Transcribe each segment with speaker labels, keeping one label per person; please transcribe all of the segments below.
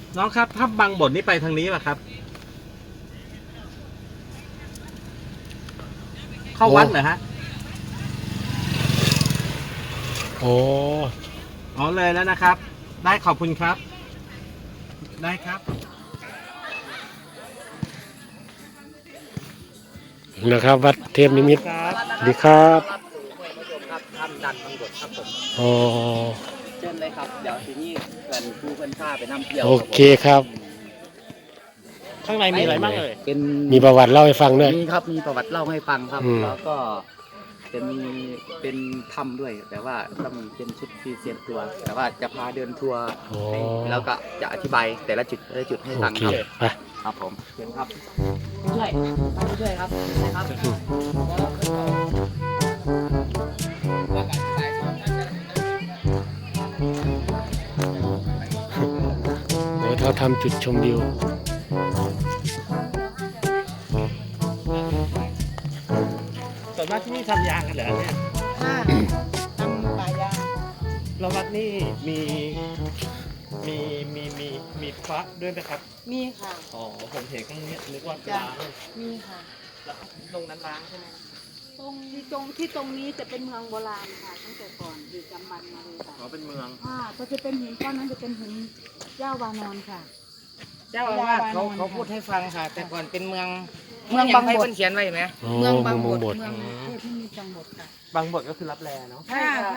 Speaker 1: น้องครับถ้าบางบทนี่ไปทางนี้ป่ะครับ เข้าวัดเหรอฮะ
Speaker 2: โอ้
Speaker 1: อ๋อเลยแล้วนะครับ ได้ขอบคุณครับ ได้ครับ
Speaker 2: นะครับวัดเทพนิมิตร
Speaker 1: ครับ
Speaker 2: สวัสดีครับ
Speaker 3: ครับทำดันบางบทครับผม
Speaker 2: อ๋อ
Speaker 3: เชิญเลยครับเดี๋ยวทีนี้เพื่อนครูเพื่อนข้าไปนำเที่ยว
Speaker 2: โอเคครับ
Speaker 1: ข้างในมีอะไรบ้างเอ่ย
Speaker 3: เป็น
Speaker 2: มีประวัติเล่าให้ฟังด้วย
Speaker 3: มีครับมีประวัติเล่าให้ฟังครับ
Speaker 2: อืม
Speaker 3: แล้วก็จะมีเป็นถ้ำด้วย แต่ว่าต้องเป็นชุดพรีเซียนตัว แต่ว่าจะพาเดินทัวร์
Speaker 2: โอ้
Speaker 3: ให้แล้วก็จะอธิบายแต่ละจุดให้
Speaker 2: โอ
Speaker 3: ฟัง
Speaker 2: เค
Speaker 3: ครับ
Speaker 2: ไป
Speaker 3: ครับผมเชิญครับช่วยช่วยครับนะครับ
Speaker 2: โอ้เขาทำจุดชมวิว
Speaker 1: ส่วนมากที่นี่ทำยางกันเหรอเนี่ย
Speaker 4: ค่ะทำป่ายาง
Speaker 1: แล้ววัดนี่มีพระด้วยไหมครับ
Speaker 4: มีค่ะ
Speaker 1: อ๋อผมเห็นข้างนี้นึกว่า
Speaker 4: จ้ะ
Speaker 1: ล้าง
Speaker 4: มีค่ะ
Speaker 1: แล้วตรงนั้นล้างใช่ไหม
Speaker 4: ตรงนี้จะเป็นเมืองโบราณค่ะ ตั้งแต่ก่อนอยู่จำบันมาเลยค่ะ
Speaker 1: อ๋อเป็นเมือง
Speaker 4: ก็จะเป็นหินก้อนนั้นจะเป็นหินเจ้าวานอนค่ะ
Speaker 5: เจ้าอาวาสเขาพูดให้ฟังค่ะ แต่ก่อนเป็นเมืองบางบทเขียนไว้ไหม
Speaker 2: อ๋อ
Speaker 4: เมืองบางบ
Speaker 2: เมือง
Speaker 4: ด
Speaker 2: บด
Speaker 4: เมืองเทพที่มีจังบดค่ะ
Speaker 1: บางบทก็คือรับแลเนาะ
Speaker 5: ใช่ค่ะ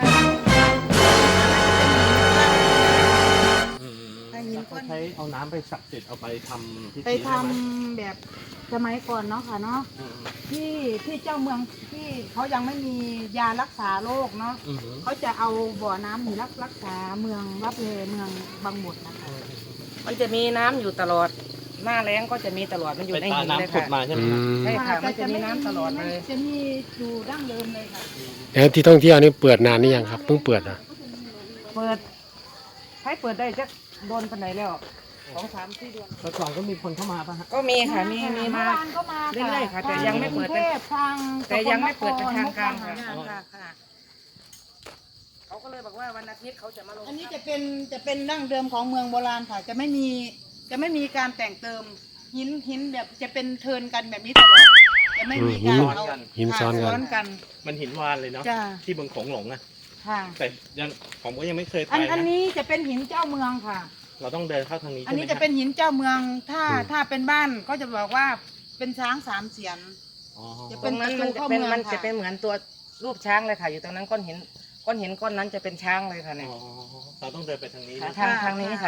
Speaker 4: ถ้าหินก้อน
Speaker 1: ใช้เอาน้ำไปศักดิ์สิทธิ์เอาไปทำพิธี
Speaker 4: ไปทำ
Speaker 1: ด้หม
Speaker 4: แบบสมัยก่อนเนาะค่ะเนาะ
Speaker 1: อืม
Speaker 4: ที่เจ้าเมืองที่เขายังไม่มียารักษาโรคเนาะ
Speaker 1: อืม
Speaker 4: เขาจะเอาบ่อน้ำนี่รักษาเมืองรับเลเมืองบางบดนะคะ
Speaker 5: มันจะมีน้ำอยู่ตลอด หน้าแล้งก็จะมีตลอดมันอยู่
Speaker 1: ไป
Speaker 5: ใน
Speaker 1: ตา
Speaker 5: หินเลย
Speaker 1: น้ำขุด
Speaker 5: ค่ะ
Speaker 1: มาใช่ไหม
Speaker 2: อื
Speaker 1: ครับ
Speaker 2: ม
Speaker 5: ใช่ค่ะ
Speaker 4: แต่
Speaker 5: มันจะมีน้ำตลอดเลย
Speaker 4: จะมีอยู่ดั้งเดิมเลยค่ะ
Speaker 2: แล้วที่ท่องเที่ยวนี่เปิดนานนี่ยังครับเพิ่งเปิดอ่ะ
Speaker 5: เปิดให้เปิดได้จะโดนปันไหนแล้ว2-3-4 เดือน
Speaker 1: แต่ก่อนก็มีคนเข้ามาป่ะฮะ
Speaker 5: ก็มีค่ะมี
Speaker 4: เมื่
Speaker 5: มา
Speaker 4: อวานก็มา
Speaker 5: เรื่อยๆค่ะแต่ยังไม่เปิด
Speaker 4: ทางกรุงทพทาง
Speaker 5: แต่ยังไม่เปิดเป็นทางการค่ะ
Speaker 4: ค่ะค่ะ
Speaker 5: เขาก็เลยบอกว่าวันอาทิตย์เขาจะมาลง
Speaker 4: อันนี้จะเป็นดั้งเดิมของเมืองโบราณค่ะ จะไม่มีการแต่งเติมหินแบบจะเป็นเทิร์นกันแบบนี้ตลอดจะไม่มีการเอา
Speaker 2: หินซ้อนกัน
Speaker 4: ซ้อนกัน
Speaker 1: มันหินวานเลยเนาะ
Speaker 4: จ้า
Speaker 1: ที่บึงโขงหลงอะ
Speaker 4: ค่ะ
Speaker 1: แต่ยังผมก็ยังไม่เคยไป
Speaker 4: อัน
Speaker 1: นะ
Speaker 4: นี้จะเป็นหินเจ้าเมืองค่ะ
Speaker 1: เราต้องเดินเข้าทางนี้
Speaker 4: อั
Speaker 1: ใช่
Speaker 4: น
Speaker 1: ไหม
Speaker 4: นี้
Speaker 1: ค
Speaker 4: จะ
Speaker 1: รับ
Speaker 4: เป็นหินเจ้าเมืองถ้า
Speaker 2: อืม
Speaker 4: ถ้าเป็นบ้านก็จะบอกว่าเป็นช้าง3 เสียน
Speaker 1: อ๋อ
Speaker 4: จะ
Speaker 5: ต
Speaker 4: เป็
Speaker 5: ร
Speaker 4: น
Speaker 5: งนั้นมันจะ
Speaker 4: ประตูเข้า
Speaker 5: เป็น
Speaker 4: เมือง
Speaker 5: มันจะ
Speaker 4: ค่ะ
Speaker 5: เป็นเหมือนตัวรูปช้างเลยค่ะ อยู่ตรงนั้นก้อนหินก้อนนั้นจะเป็นช้างเลยค่ะเนี่ย
Speaker 1: อ๋อเราต้องเดินไปทางนี้
Speaker 5: ค่ะ
Speaker 1: นะ
Speaker 5: ทางนี้ค่ะ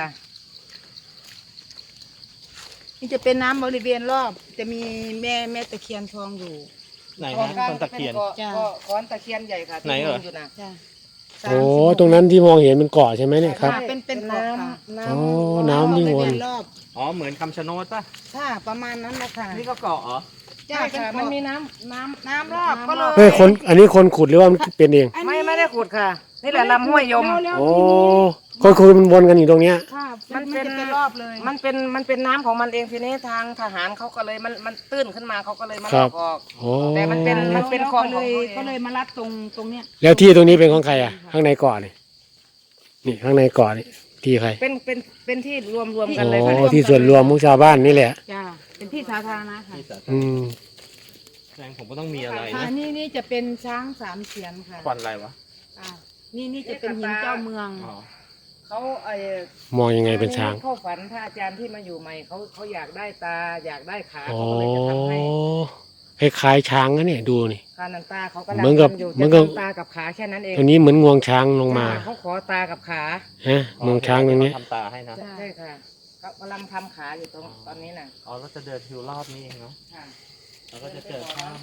Speaker 4: นี่จะเป็นน้ำบริเวณรอบ จะมีแม่ตะเคียนทองอยู่
Speaker 1: ไหน
Speaker 5: ตรง
Speaker 1: ฮะ
Speaker 5: กลาง
Speaker 1: ต้นตะเคียน
Speaker 4: จ้ะ
Speaker 5: ก็ก้อนตะเคียนใหญ่ค่ะที่
Speaker 1: ไหนเหรอ
Speaker 5: อยู่นะ
Speaker 4: จ้ะ
Speaker 2: โอ้ตรงนั้นที่มองเห็นเป็นเกาะใช่ไหมเนี่ยครับ
Speaker 4: ค่ะเป็นเกาะค่ะ
Speaker 5: น้ำ
Speaker 2: โอ้น้ำวิ่งวน
Speaker 4: บริเรอบ
Speaker 1: อ๋อเหมือนคำชะโนดป่ะ
Speaker 4: ค่ะประมาณนั้นแหละค่ะ
Speaker 1: นี่ก็เกาะเหรอ
Speaker 5: ใช่ค่ะมันมีน้ำ
Speaker 4: รอบก็เลย
Speaker 2: เฮ้ยอันนี้คนขุดหรือว่ามันเป็นเอง
Speaker 4: อันนี้
Speaker 5: ไม่ได้ขุดค่ะ นี่แหละลำห้วยยม
Speaker 4: แล้ว
Speaker 2: โอ้
Speaker 4: ทีนี้
Speaker 2: คนขุดมันวนกันอยู่ตรงเนี้ย
Speaker 4: ค่ะ
Speaker 5: มันเป็น
Speaker 4: จะเป็นรอบเลย
Speaker 5: มันเป็นน้ำของมันเองทีนี้ทางทหารเขาก็เลยมันตื้นขึ้นมาเขาก็เลยมา
Speaker 2: ค
Speaker 5: ล
Speaker 2: รั
Speaker 5: อบ กออก
Speaker 2: โอ้
Speaker 5: แต่มันเป็น
Speaker 4: แล้ว
Speaker 5: คลอง
Speaker 4: ก็
Speaker 5: ของ
Speaker 4: เลย
Speaker 5: เขาเอง
Speaker 4: ก็เลยมารัดตรงเนี้ย
Speaker 2: แล้วที่ตรงนี้เป็นของใครอ่ะ ข้างในเกาะนี่นี่ข้างในเกาะนี่ที่ใคร
Speaker 5: เป็นที่รวมกัน
Speaker 2: โอ้
Speaker 5: เลยค่ะ
Speaker 2: ที่ส่วนรวมของชาวบ้านนี่แหละ
Speaker 4: จ้าเป็นที่สาธารณะค่ะ
Speaker 1: ที่สาธาร
Speaker 2: อื
Speaker 1: ณะ
Speaker 2: ม
Speaker 1: แรงผมก็ต้องมีอะไร
Speaker 4: ค่ะ
Speaker 1: นะ
Speaker 4: นี่จะเป็นช้าง3 เสียนค่ะ
Speaker 1: ควันอะไรวะ
Speaker 4: อ่านี่จะเป็นหินเจ้าเมือง
Speaker 1: อ๋อ
Speaker 5: เขา
Speaker 2: มองยังไงเป็นช้าง
Speaker 5: เข้าฝันพระอาจารย์ที่มาอยู่ใหม่เขาอยากได้ตาอยากได้ขา
Speaker 2: อ๋อ
Speaker 5: เขาก็เลยจะทำให้
Speaker 2: คล้ายๆช้างนะเนี่ยดูนี่
Speaker 5: คานันตาเขาก็
Speaker 2: เหมือนกับ
Speaker 5: ทำอยู่
Speaker 2: เหมื
Speaker 5: จะ
Speaker 2: อนกับ
Speaker 5: ทำตากับขาแค่นั้นเอง
Speaker 2: ตัวนี้เหมือนงวงช้างลงมา
Speaker 5: เขาขอตากับขา
Speaker 2: ฮะงวงช้างตรงนี้
Speaker 1: ทำตาให้นะ
Speaker 4: จ้ะ
Speaker 5: ใช่ค่ะเขากำลังทำขาอยู่ตอนนี้น่ะ
Speaker 1: อ๋อเราจะเดินทิวรอบนี้เองเนาะ
Speaker 5: ค่ะ
Speaker 1: เราก็จะเจอข้าม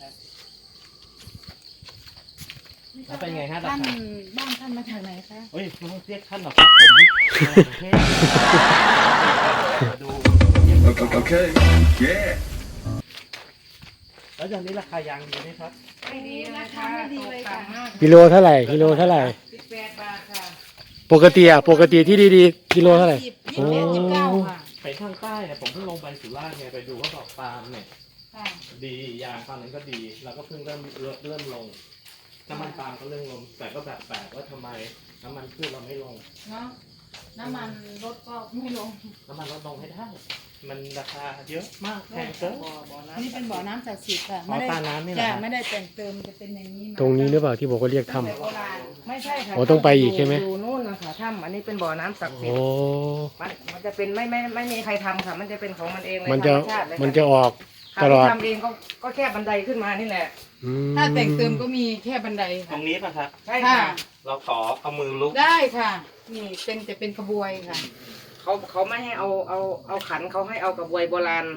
Speaker 1: แล้วเป็นไงฮะรา
Speaker 4: ท่าน
Speaker 1: คา
Speaker 4: บ้านท่านมาจากไหนคะ
Speaker 1: เฮ้ยไม่ต้องเรียกท่านหรอกครับผมมาจากกรุงเทพมาดู
Speaker 6: Okay. Yeah.
Speaker 1: แล้วอย่างนี้ราคายางดีไหมครับ
Speaker 5: ไม่ดีนะคะ
Speaker 4: ไม่ดีเลยค่ะ
Speaker 5: ตกต่ำมาก
Speaker 2: กิโลเท่าไหร่กิโลเท่าไหร่
Speaker 5: 18 บาทค่ะ
Speaker 2: ปกติที่ดีๆกิโลเท่าไหร่
Speaker 4: 21 29ค่ะ
Speaker 1: ไปทางใต้เนี่ยผมเพิ่งลงไปสุราษฎร์ไงไปดูเขาบอกปาล์มเนี่ย
Speaker 4: ค่ะ
Speaker 1: ดียางตอนนั้นก็ดีเราก็เพิ่งเริ่มลงน้ำมันปาล์มก็เริ่มลงแต่ก็แบบแปลกว่าทำไมน้ำมันพืชเราไม่ลง
Speaker 4: เนาะน้ำมันรถก็ไม่ลง
Speaker 1: น้ำมันลดลงให้ได้ มันราคาเยอะมากแพงเกิน
Speaker 4: นี่เป็นบ่อน้ำศักดิ์สิทธิ์ค่ะ
Speaker 1: อ๋อตาน้ำนี่เหรอ
Speaker 4: จ้ะ
Speaker 1: ครับ
Speaker 4: ไม่ได้แต่งเติมจะเป็นอย่างนี้มา
Speaker 2: ตรงนี้หรือเปล่าที่บอกว่าเรียกถ้
Speaker 4: ตั้งแต่โบราณ
Speaker 5: ไม่ใช่ค่ะ
Speaker 2: โอ้ต้องไปอีกใช่ไหม
Speaker 5: อยู่นู่นนะคะถ้ำอันนี้เป็นบ่อน้ำศักดิ์
Speaker 2: ำ
Speaker 5: สิท
Speaker 2: โอ้
Speaker 5: ธิ์มันจะเป็นไม่มีใครทำค่ะ มันจะเป็นของมันเองเลย
Speaker 2: มันจะ
Speaker 5: ธรรชาติเลยค่
Speaker 2: มันจะออก
Speaker 5: ค่ะ
Speaker 2: ตลอด
Speaker 5: ที่ทำเองก็แค่บันไดขึ้นมานี่แหละ
Speaker 2: อืม
Speaker 4: ถ้าแต่งเติมก็มีแค่บันได
Speaker 1: ตร
Speaker 4: ค่ะ
Speaker 1: งนี้ป่ะครับ
Speaker 5: ใช่
Speaker 4: ค่ะ
Speaker 5: ค่ะ
Speaker 1: เราขอเอามือลุก
Speaker 4: ได้ค่ะ นี่จะเป็นกระบวยค่ะ
Speaker 5: เขาไม่ให้เอาขันเขาให้เอากระบวยโบราณ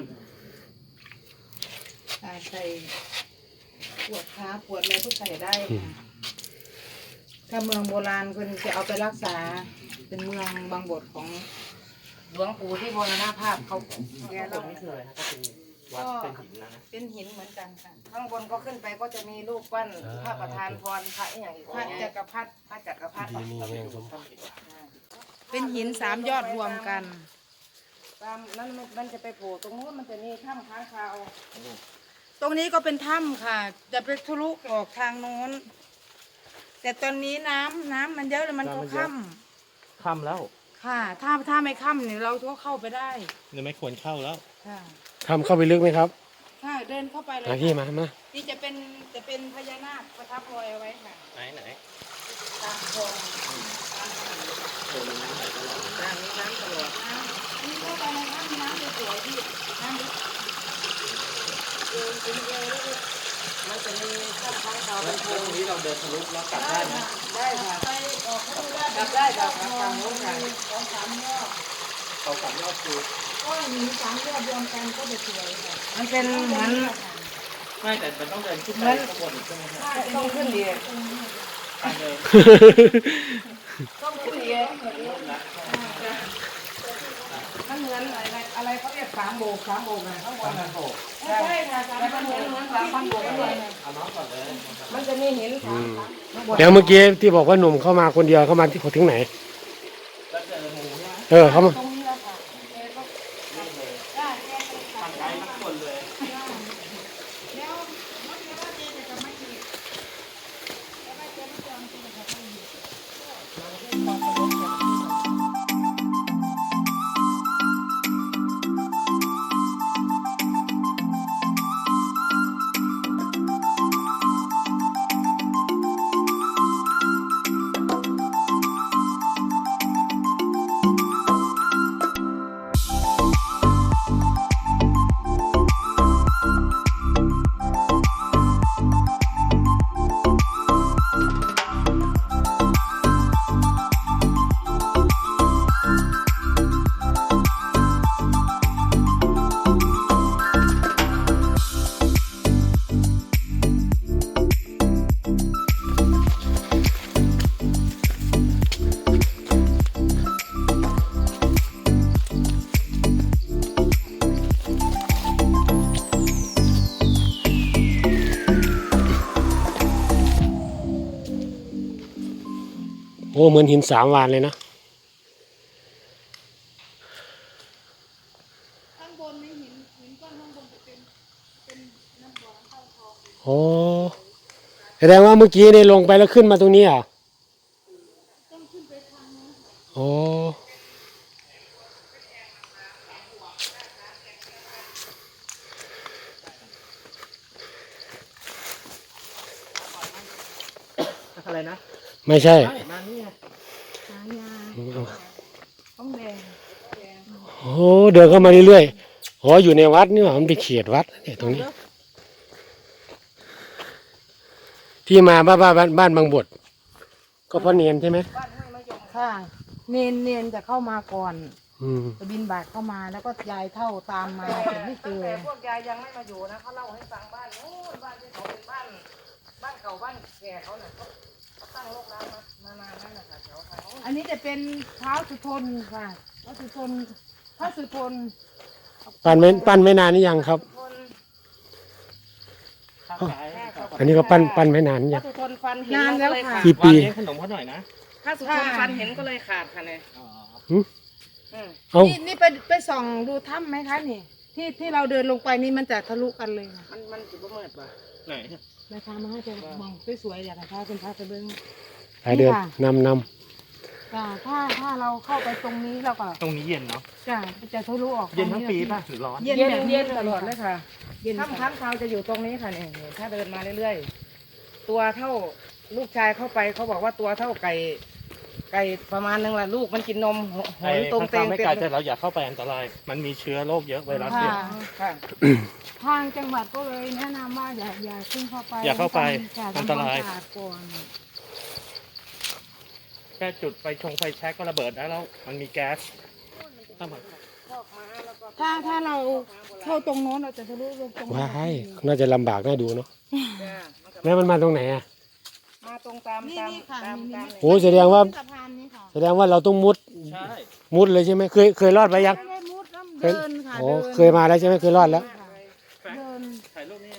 Speaker 4: ใส่ปวดขาปวดอะไรก็ใส่ได้ค่ะถ้าเมืองโบราณคนจะเอาไปรักษา เป็นเมืองบางบทของ
Speaker 5: หลวงปู่ที่มรณภาพเขาแก
Speaker 1: ตร
Speaker 5: เรา
Speaker 1: งนี้คืออะไรครับก็เป็นวัดเป็นหินนะ
Speaker 4: เป็นหินเหมือนกันค่ะ
Speaker 5: ข้างบนก็ขึ้นไปก็จะมีรูปปั้นพระประธานพรพระอหย่างอีก
Speaker 4: พระจักรพรรดิ
Speaker 5: พระจักรพรรดิ
Speaker 2: ดีนี่แห้งสม
Speaker 4: เป็นหิน3 ยอดรวมกัน
Speaker 5: ตามนั้นมันจะไปโผล่ตรงนู้นมันจะมีถ้ำค้างคาว
Speaker 4: ตรงนี้ก็เป็นถ้ำค่ะ จะไปทะลุออกทางโน้น แต่ตอนนี้น้ำมันเยอะเลยมันก็ค่ำ
Speaker 1: ค่ำแล้ว
Speaker 4: ค่ะ ถ้าไม่ค่ำเนี่ยเราก็เข้าไปได้
Speaker 1: หรือไม่ควรเข้าแล้ว
Speaker 4: ค่ะ
Speaker 2: ทำเข้าไปลึกไหมครับ
Speaker 4: ค่ะเดินเข้าไปเลย
Speaker 2: มาพี่
Speaker 4: ค่ะ
Speaker 2: มา
Speaker 4: นี่จะเป็นพญานาคประทับรอยเอาไว้ค่ะ
Speaker 1: ไหน
Speaker 4: ตามคลองตามถนน
Speaker 5: น้ำนี้น้ำตลอด
Speaker 4: นี่เข้าไปในถ้ำน้ำจะสวยพี่น้ำลึกเอวถึงเอวแล้วก็
Speaker 5: มันจะมีถ้ำค้างคาว
Speaker 1: แล้
Speaker 5: เป็
Speaker 1: วน
Speaker 5: โพ
Speaker 1: ตรงนี้เราเดินทะลุแล้วกลับได้ไหม
Speaker 5: ได้ค่ะ
Speaker 4: ไปออกเข้าไปได้
Speaker 5: กลับได้ค่ะกลับทางโน้นค่ะ
Speaker 4: 2-3 ยอด
Speaker 1: เขากลับยอดคือ
Speaker 4: ก็หิน3 ยอดรวมกันก็จะสวยค่ะ
Speaker 5: มันเป็นเหมือน
Speaker 1: ไม่แต่มันต้องเดินขึ้นไปข้างบนอีกใช่ไหมครับ
Speaker 5: ต้องขึ้นดี
Speaker 1: ไปเลย
Speaker 5: ต้องขึ้นดีมันเหมือนอะไรเขาเรียก3 โบกนะข้างบนนะ
Speaker 1: โอ้
Speaker 5: ใช่ค่ะแต่มันเหมือน3,000 โบกเลย
Speaker 1: เอาน้องก่อนเลย
Speaker 5: มันจะมีหินสามข้างบน
Speaker 2: เดี๋ยวเมื่อกี้ที่บอกว่าหนุ่มเข้ามาคนเดียวเข้ามาที่ถึงไหน
Speaker 1: แล้วเจองูใช่ไหม
Speaker 2: เข้ามา
Speaker 4: ตรงนี้แล้วค่ะได้แค่ไปตั
Speaker 1: ทา
Speaker 4: ด
Speaker 1: งไกลทั้งคนเลย
Speaker 4: แล้วมันจะว่าเจจะไม่อีกแล้วไม่เจไม่จองจริงจะไม่อีก
Speaker 2: โอ้เหมือนหิน3 วานเลยนะ
Speaker 4: ข้างบนนี่หินก้อนข้างบนจะเป็นน้ำบ่อเข้าทอง
Speaker 2: โอ้แสดงว่าเมื่อกี้เนี่ยลงไปแล้วขึ้นมาตรงนี้อ่ะโอ้
Speaker 1: อะไรนะ
Speaker 2: ไม่ใช่
Speaker 1: มานี่ไง
Speaker 4: ต้องแดง
Speaker 2: โอ้เดินเข้ามาเรื่อยๆอ๋ออยู่ในวัดนี่หว่ามันเป็นเขตวัดเนี่ยตรงนี้ ที่มาบ้านบางบทก็เพราะเนียนใช่ไหม
Speaker 4: ค่ะเนนจะเข้ามาก่อน
Speaker 2: อืม
Speaker 4: จะบินบาทเข้ามาแล้วก็ยายเท่าตามมาถึงไม่เจอ
Speaker 5: แต่พวกยายยังไม่มาอยู่นะเขาเล่าให้ฟังบ้านโน้นบ้านที่เขาเป็นบ้านเก่าบ้านแก่เขาเนี่ยเขาตั้งโรคร้างมานานแล้วนะคะแถวทางโน้น
Speaker 4: อันนี้จะเป็นเท้าสุทนค่ะเท้าสุทน
Speaker 2: ปั้นไม่นานนี่ยังครับ
Speaker 5: คน
Speaker 1: ข้างซ้าย
Speaker 2: อันนี้ก็ปั้นไม่นาน
Speaker 5: พ
Speaker 2: ยั
Speaker 5: ระ
Speaker 2: ง
Speaker 5: สุทนฟันเห็น
Speaker 4: นานแล้ว
Speaker 5: ก็เลย
Speaker 4: ค่ะ
Speaker 5: ขาด
Speaker 2: กี่ปี
Speaker 1: วางเลี้ยงขนมเขาหน่อยนะ
Speaker 5: พระสุทนฟันเห็นก็เลยขาดค่ะเนี่ย
Speaker 1: อ๋อ
Speaker 5: อืม
Speaker 2: เอ้า
Speaker 4: นี่ไปส่องดูถ้ำไหมคะนี่ที่เราเดินลงไปนี่มันจะทะลุกันเลยค่ะ
Speaker 5: มันจุดประเมิดป่ะ
Speaker 1: ไหน
Speaker 4: นะคะมาให้จะมองสวยๆอยากให้พาเป็นพาไปเบิ้ง
Speaker 2: ไปเดิน
Speaker 4: ค่ะ
Speaker 2: นำ
Speaker 4: พจ้ะถ้าเราเข้าไปตรงนี้เราก็
Speaker 1: ตรงนี้เย็นเนาะ
Speaker 4: จะทะลุออก
Speaker 1: เย็นทั้งปีป่ะหรือร้อน
Speaker 4: เย็นแบบนี้
Speaker 5: เย็นตลอดเลยค่ะ
Speaker 4: เย็น
Speaker 5: ถ้ำค้างคาวจะอยู่ตรงนี้ค่ะเนี่ยถ้าเดินมาเรื่อยๆตัวเท่าลูกชายเข้าไปเขาบอกว่าตัวเท่าไก่ประมาณนึงแหละลูกมันกินนมหอยตรงเตง
Speaker 1: ไม่ไกลแต่เราอย่าเข้าไปอันตราย มันมีเชื้อโรคเยอะไวรัสเย
Speaker 4: ค่ะ
Speaker 1: อะ
Speaker 5: ค่ะ
Speaker 4: ทางจังหวัดก็เลยแนะนำว่าอย่าขึ้นเข้าไป
Speaker 1: อย่าเข้าไป
Speaker 4: ค่ะ
Speaker 1: อันตราย
Speaker 4: ทำควมสะอาดก่อน
Speaker 1: แค่จุดไฟแช็กก็ระเบิดได้แล้ว มันมีแก๊สต้องมา
Speaker 4: ถ้าเราเข้าตรงโน้นเราจะทะลุลงตรงนี้
Speaker 2: ว้ายน่าจะลำบากน่าดูเนาะ
Speaker 5: จ้ะ
Speaker 2: แล้วมันมาตรงไหนอ่ะ
Speaker 5: มาตรงตาม
Speaker 4: นี่ค่ะ
Speaker 5: ตาม
Speaker 4: นี่
Speaker 5: ตาม
Speaker 4: นี่
Speaker 2: โอ้แสดงว่า
Speaker 4: สะพานนี้ค่ะ
Speaker 2: แสดงว่าเราต้องมุด
Speaker 1: ใช่
Speaker 2: มุดเลยใช่ไหมเคยรอดไปยัง
Speaker 4: ไม่ได้มุดน้ำเดินค่ะ
Speaker 2: โอ้
Speaker 4: เดิน
Speaker 2: เคยมาแล้วใช่ไหมเคยรอดแล้ว
Speaker 4: เดิน
Speaker 1: ถ่ายรูปนี่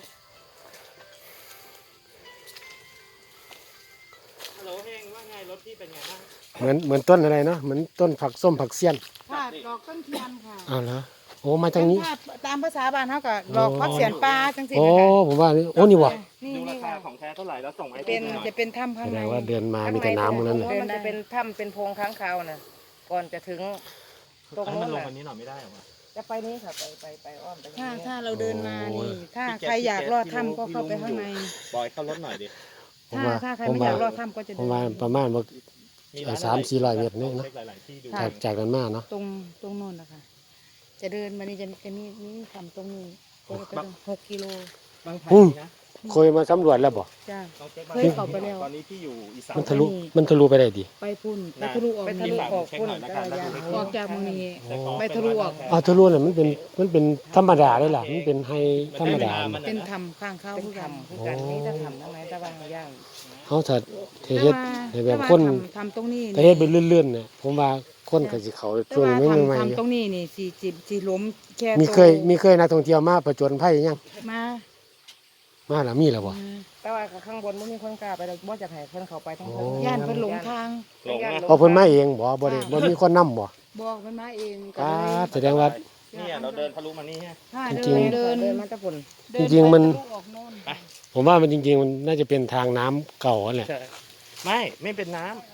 Speaker 1: ฮัลโหลเฮงว่าไงรถพี่เป็นไงบ้าง
Speaker 2: เหมือนต้นอะไรเนาะเหมือนต้นผักส้มผักเสี้ยน
Speaker 4: ค่ะดอกต้นเทียนค่ะ
Speaker 2: อ้าวเหรอโอ้มาทางนี้
Speaker 4: ถ้ตามภาษาบ้านเขาก็ดอกพักเสียนปลาจังสิ
Speaker 2: โอ้
Speaker 4: นะคะ
Speaker 2: ผมว่านี่โอ้นี่วะ
Speaker 4: นี่
Speaker 1: ดูรา
Speaker 4: นี่
Speaker 1: คา
Speaker 4: ค่ะ
Speaker 1: ของแท้เท่าไหร่แล้วส่งให้
Speaker 5: เป็น
Speaker 1: ดูหน่อย
Speaker 4: จะเป็นถ้ำข้าง
Speaker 2: แส
Speaker 4: ใน
Speaker 2: ดงว่าเดินมามีแต่น้ำตรงนั้น
Speaker 5: ข้าง
Speaker 2: นะ
Speaker 5: ในมันจะเป็นถ้ำเป็นโพรงค้างคาวน่ะก่อนจะถึงตรง
Speaker 1: ให้
Speaker 5: โน้
Speaker 1: มัน
Speaker 5: น
Speaker 1: ลง
Speaker 5: น่ะ
Speaker 1: วันนี้หน่อยไม่ได้เหรอวะ
Speaker 5: จะไปนี้ค่ะไปอ้อมไปอย่างนี้
Speaker 4: ถ้าเราเดินมานี่ถ้า
Speaker 1: พี่แจ๊ค
Speaker 4: ใครอยาก
Speaker 1: พี่แจ๊ค
Speaker 4: รอดถ้ำก็เข้าไปข้างใน
Speaker 1: บอยเข้ารถหน่อยดิ
Speaker 2: ผมว่า
Speaker 4: ถ้าใคร
Speaker 2: ผม
Speaker 4: ไม่อ
Speaker 2: ว่าย
Speaker 4: ากรอดถ้ำก็จะ
Speaker 2: ผ
Speaker 4: เดิ
Speaker 2: ม
Speaker 4: น
Speaker 2: ว่าประมาณว่า
Speaker 1: มีร้าน
Speaker 2: 300-400 เมตรนี่เนอะ
Speaker 1: ช็คหลายๆที่ดู
Speaker 2: จากกันมาเนาะ
Speaker 4: ตรงโน้นนะคะจะเดินมานี่จะมีทำตรงนี้ก็จะไป6 กิโล
Speaker 1: บางไผ่นะ
Speaker 2: เคยมาสำรวจแล้วบ่
Speaker 4: จ้า
Speaker 1: ต้องช็ค
Speaker 4: เคยเข้าไปแล้ว
Speaker 1: ตอนนี้พี่อยู่อีสาน
Speaker 2: มันทะลุไปได้ดิ
Speaker 4: ไปพุ่นไปทะลุออก
Speaker 5: ไปทะ
Speaker 4: นี่
Speaker 5: ลุออกพุ่น
Speaker 1: เช็คหน่อยนะครับ
Speaker 4: ออกจากเมืองนี้
Speaker 2: โอ้
Speaker 4: ไปทะลุออก
Speaker 2: เอาทะลุน่ะมันเป็นธรรมดาได้ล่ะมันเป็นไฮธรรมดา
Speaker 4: เป็นถ้ำข้างเขา
Speaker 5: เป็น
Speaker 4: คือกัน
Speaker 5: ทำคือกันนี่ถ้าทำทำไมตะวันย่าง
Speaker 2: เขาถ้าเฮ็ดให้แบบคน
Speaker 4: ทำตรงนี้
Speaker 2: ถ้าเฮ็ดเป็นเลื่อนๆเนี่ยผมว่าคนก็สิเขาช่วงนี้ใหม่
Speaker 4: ทำตรงนี้นี่สีล้มแค่
Speaker 2: ๆมีเคยนักท่องเที่ยวมาผจญภัยยัง
Speaker 4: มา
Speaker 2: มาแล้วมีแล้วบ่
Speaker 5: แต่ว่าข้างบนไม่มีคนกล้าไปเราบ่จะให้คนเขาไปทั้งคน
Speaker 2: โอ้
Speaker 4: ย่านเพิ่นหลงทาง
Speaker 1: หลงนะ
Speaker 2: พอเพิ่นมาเองบ่ได้บ่มีคนนำบ่
Speaker 4: บอกมันมาเองก็
Speaker 2: อ่า
Speaker 4: เลย
Speaker 2: แสดงว่า
Speaker 1: เนี่ยเราเดินทะลุมานี่ฮะ
Speaker 4: ถ้า
Speaker 2: จริงๆ
Speaker 4: เดิน
Speaker 5: เดินมาตะปุ่น
Speaker 4: เดิ
Speaker 2: จริงๆมัน
Speaker 4: ไปทะลุออกโน่น
Speaker 2: ผมว่ามันจริงๆมันน่าจะเป็นทางน้ำเก่านั่นแหละ
Speaker 1: ใช่ไม่เป็นน้ำ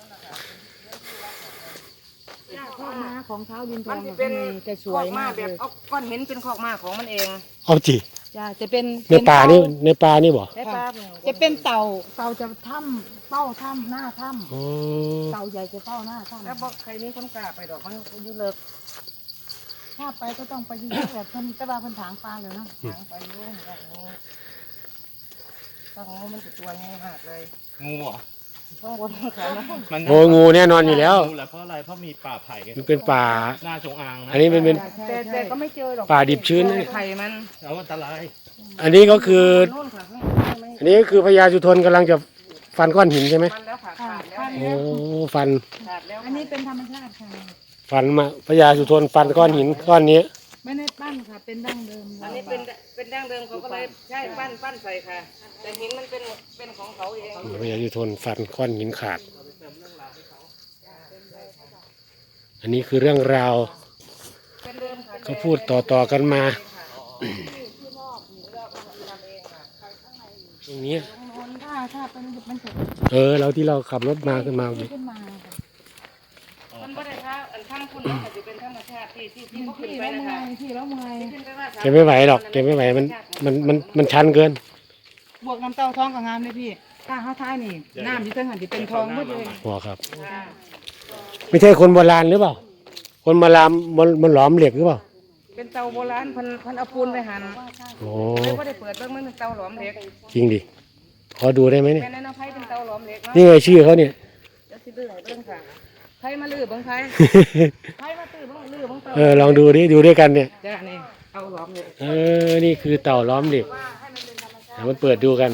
Speaker 4: ข้อม้าของเท้าดินท
Speaker 5: มั
Speaker 4: อน ง
Speaker 5: จะเป็น
Speaker 4: จะส
Speaker 5: ค
Speaker 4: ว
Speaker 5: อย กม้าม
Speaker 4: าก
Speaker 5: แบ
Speaker 4: เล
Speaker 5: บ
Speaker 4: ย
Speaker 5: เอาก้อนหินเป็นคอกม้าของมันเอง
Speaker 2: เอาจิ
Speaker 4: จ้าจะเป็น
Speaker 2: ในป่านี่บ่
Speaker 5: ได้ป้า
Speaker 4: จะเป็นเต่าจะถ้ำเป้าถ้ำหน้าถ้
Speaker 2: อ๋อ
Speaker 4: ำเต่าใหญ่จะเป้าหน้าถ้
Speaker 5: แล้วบอกใครนี้คนกล้าไปดอกมันอยู่เลิก
Speaker 4: ำถ้าไปก็ต้องไปยืนแบบเพิ่นแต่ว่าเพิ่นถางปลาเลยเนาะ
Speaker 5: ทางไปยุ่งอย่างนี้ถ้าของมันจะตัวง่ายมากเลย
Speaker 1: งูเหรอ
Speaker 5: ข้างบนเขานะ
Speaker 1: มัน
Speaker 2: โอ้งูแน่นอนอยู่แล้ว
Speaker 1: งูแหละเพราะอะไรเพราะมีป่าไผ่
Speaker 2: มันเป็นป่า
Speaker 1: หน้าจงอางนะ
Speaker 2: อันนี้มันเป็น
Speaker 5: แต่ก็ไม่เจอหรอก
Speaker 2: ป่าดิบชื้นนะ
Speaker 5: ไข่มัน
Speaker 1: แล้วอันตราย
Speaker 2: อันนี้ก็คือ
Speaker 5: โน่นค่ะข้างบนไม่
Speaker 2: อันนี้ก็คือพญาสุทนกำลังจะฟันก้อนหินใช่ไหม
Speaker 5: มันแล้วค่ะขาดแล้ว
Speaker 2: โอ้ฟัน
Speaker 5: ขาดแล้ว
Speaker 4: อันนี้เป็นธรรมชาติค่ะ
Speaker 2: ฟันมาพญาสุทนฟันก้อนหินก้อนนี้
Speaker 4: ไม่ได้ปั้นค่ะเป็นดั้งเดิม
Speaker 5: อันนี้เป็นดั้งเดิมเขาก็เลยใช่ปั้นใส่ค่ะ แต่หินมันเป็นของเขาเอง
Speaker 2: พญาสุทนฟันก้อนหินขาด อันนี้คือเรื่องราว
Speaker 5: เป็นเดิมค่ะ
Speaker 2: เขาพูดต่อกันมาตรงนี้
Speaker 4: ถ้าเป็นมันจะ
Speaker 2: เราที่เราขับรถมาขึ้นมา
Speaker 4: ขึ้นมาค่ะ
Speaker 5: มันไม่ได้ค่ะอันข้างคุณอาจจะเป็นธรรมชาติที่เขาขึ้น
Speaker 4: ที่
Speaker 5: ไป
Speaker 4: แล้ว
Speaker 5: นะ
Speaker 4: เมื่อ
Speaker 5: คะ
Speaker 4: ยที่แล้วเมื่อย
Speaker 5: ที่ขึ้นไปว่า
Speaker 2: เก็บไม่ไหวหรอกเก็บไม่ไหวมันชันเกิน
Speaker 4: บวกน้ำเต้าท้องกับงามเลยพี่ถ้าเขาท้ายนี่น้ำที่เส้นหันที่เป็นทองหมดเลย
Speaker 2: หัวครับ
Speaker 5: ค่ะ
Speaker 2: ไม่ใช่คนโบราณหรือเปล่า คนโบราณมันหลอมเหล็กหรือเปล่า
Speaker 5: เป็นเตาโบราณเพันเอาปูนไปหั่น
Speaker 2: โอ้
Speaker 5: เลยก็ได้เปิดเบิ่งมันเป็นเตาหลอมเหล็ก
Speaker 2: จริงดิขอดูได้ไหมเนี่ย
Speaker 5: แม่นายไผเป็นเตาหลอมเหล็กเนาะ
Speaker 2: นี่ไงชื่อเขาเนี่ย
Speaker 5: เดี๋ยวสิลื้อให้เบิ่งค่ะไผมาลื้อเบิ่งไผไผมาตื้อเบิ่งลื้อเบิ่งเตา
Speaker 2: ลองดูดิดูด้วยกันเนี่ย
Speaker 5: จ้ะนี่เตาหลอมเหล็ก
Speaker 2: นี่คือเต่าล้อมเหล็กเดี๋ยวมันเปิดดูกัน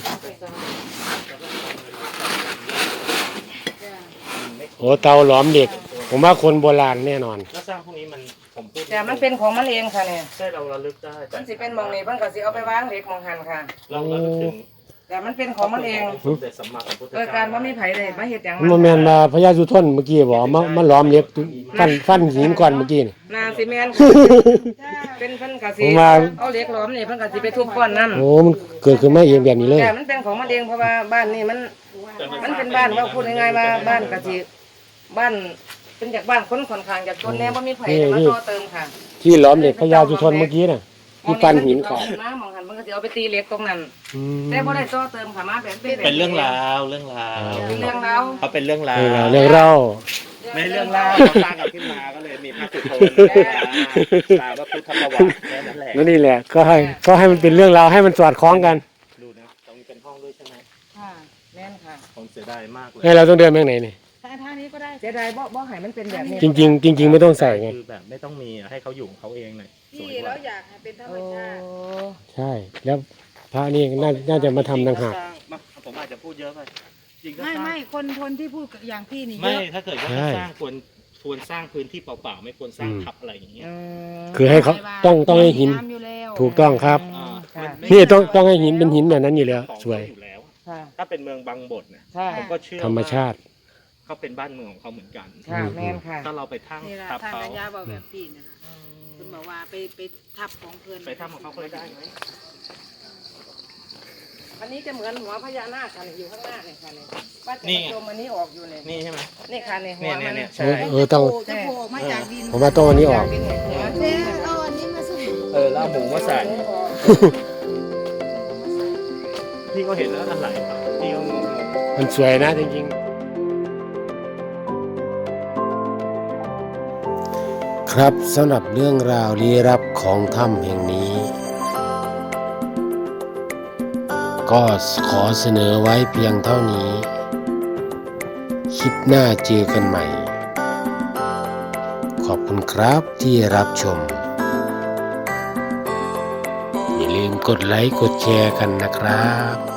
Speaker 2: โอ้เตาล้อมเหล็ก ผมว่าคนโบราณแน่นอน
Speaker 1: แล้วสร้างพวกนี้มันผมพูด
Speaker 5: แต่มันเป็นของมันเองค่ะเนี่ย
Speaker 1: ใช่เราระลึกได้แต่
Speaker 5: มันสิเป็นหมองนี่เพิ่นก็สิเอาไปวางเหล็กหมองหันค่ะ
Speaker 1: เราระลึกถึง
Speaker 5: แต่มันเป็นของมันเอง
Speaker 1: สมเด็จสัมมาสัมพุทธ
Speaker 5: โดย
Speaker 1: เจ้า
Speaker 5: การว่ามีไผเลยมาเฮ็ดหยัง
Speaker 2: มันแมนมาพญาสุทนเมื่อกี้บอกมันล้อมเหล็กฟันหินก่อนเมื่อกี้นี่
Speaker 5: นาสิแม่นเป็นเพิ่นก็สิ
Speaker 2: ผมว่า
Speaker 5: เอาเหล็กหลอมนี่เพิ่นก็สิไปทุบก้อนนั้น
Speaker 2: โอ้มันเกิดขึ้นมาเองแบบนี้เลย
Speaker 5: แต่มันเป็นของมันเองเพราะว่าบ้านนี่มันเป็นบ้านว่าพูดง่ายๆว่าบ้านกะทิบ้านเป็นจากบ้านคนค่อนข้างจากจนแน่ว่ามีไผจะมาต่อเติมค่ะ
Speaker 2: ที่ล้อมเหล็กพญาสุทนเมื่อกี้น่ะที่ปันหินขาด
Speaker 5: น้ำมองหันมันก็จะเอาไปตีเหล็กตรงนั้น
Speaker 2: อืม
Speaker 5: แต่บ่ได้ต่อเติมค่ะมาแบบแบบ
Speaker 1: เป็นเรื่องราวเรื่องราว
Speaker 5: เป็นเรื่องราว
Speaker 1: เขาเป็นเรื่องราว
Speaker 2: เรื่องเล่า
Speaker 1: ไม่เรื่องราวเขาสร้างกันขึ้นมาก็เลยมีพระสุทนตามว่าพุทธประวัติแค่นั้นแหละ
Speaker 2: แล้วนี่แหละก็ให้มันเป็นเรื่องราวให้มันสอดคล้องกัน
Speaker 1: ดูนะตรงนี้เป็นห้องด้วยใช่ไหม
Speaker 5: ค่ะแม่นค่ะ
Speaker 1: ผมเสียดายมากเลย
Speaker 2: ให้เราต้องเดินไปทางไหนนี่
Speaker 4: ท่านี้ก็ได้
Speaker 5: เสียดายบ่ให้มันเป็นแบบนี้
Speaker 2: จริงๆไม่ต้องใส่ไง
Speaker 1: คือแบบไม่ต้องมีให้เขาอยู่ของเขาเองหน่อยส
Speaker 4: ที่
Speaker 1: วยก
Speaker 4: เรา
Speaker 1: ว่า
Speaker 4: อยากให้เป็นธรรม
Speaker 5: โอ้
Speaker 4: ชาติ
Speaker 2: ใช่ แล้วพระนี่น่าจะมาทำต่างหาก
Speaker 1: ผมอาจจะพูดเยอะไปจริงก็
Speaker 4: ไม่
Speaker 1: สร้าง
Speaker 4: ไม่คนที่พูดอย่างพี่นี่เย
Speaker 1: ไม่
Speaker 4: อะ
Speaker 1: ถ้าเกิดว่า
Speaker 2: ใช่
Speaker 1: จะสร้างควรสร้างพื้นที่เปล่าๆไม่ควรสร้างทับอะไรอย่างเงี้ย
Speaker 5: อืม
Speaker 2: คือให้เขาต้องให้หิน
Speaker 4: ำอยู่แล้ว
Speaker 2: ถูกต้องครับ
Speaker 1: อ่า
Speaker 5: ค่ะ
Speaker 1: มันไม่
Speaker 2: นี่ต้องให้หินเป็นหินแบบนั้นอยู่แล้ว
Speaker 1: ของ
Speaker 2: สวย
Speaker 1: เขาอยู่แล้ว
Speaker 5: ค่ะ
Speaker 1: ถ้าเป็นเมืองบางบทนะ
Speaker 5: ใช่
Speaker 1: ผมก็เชื่อ
Speaker 2: ธรรมชาติ
Speaker 1: เขาเป็นบ้านเมืองของเขาเหมือนกัน
Speaker 5: ค่ะแม่นค่ะ
Speaker 1: ถ้าเราไปทั้ง
Speaker 4: นี่แหละ
Speaker 1: ทับ
Speaker 4: ทาง
Speaker 1: เขา
Speaker 4: กัญญาบอกแบบพี่นี่นะคุณบอกว่าไปทับของเพื่อน
Speaker 1: ไปทำของเขาก็ได้ไหม
Speaker 5: อันนี้จะเหมือนหัวพญานาคค่ะนี่อยู่ข้างหน้าเนี่ยค่ะนี่ว่าจะมาชมอันนี้ออกอยู่เนี่ย
Speaker 1: นี่ใช่ไหม
Speaker 5: นี่ค่ะนี่หัวมัน
Speaker 1: เนี่ยใช่
Speaker 2: ต้อง
Speaker 4: จะโผล่ออกมาจากดิน
Speaker 2: ผมว่าต้องอันนี้ออก
Speaker 5: เป็นหัว
Speaker 4: เจ๊เอาอันนี้มาสิ
Speaker 1: แล้วเอาหมูมาใส่พี่ก็เห็นแล้วอะไรพี่ก็งง
Speaker 2: มันสวยนะจริงๆ ครับสำหรับเรื่องราวลี้ลับของถ้ำแห่งนี้ ก็ขอเสนอไว้เพียงเท่านี้ คลิปหน้าเจอกันใหม่ ขอบคุณครับที่รับชม อย่าลืมกดไลค์กดแชร์กันนะครับ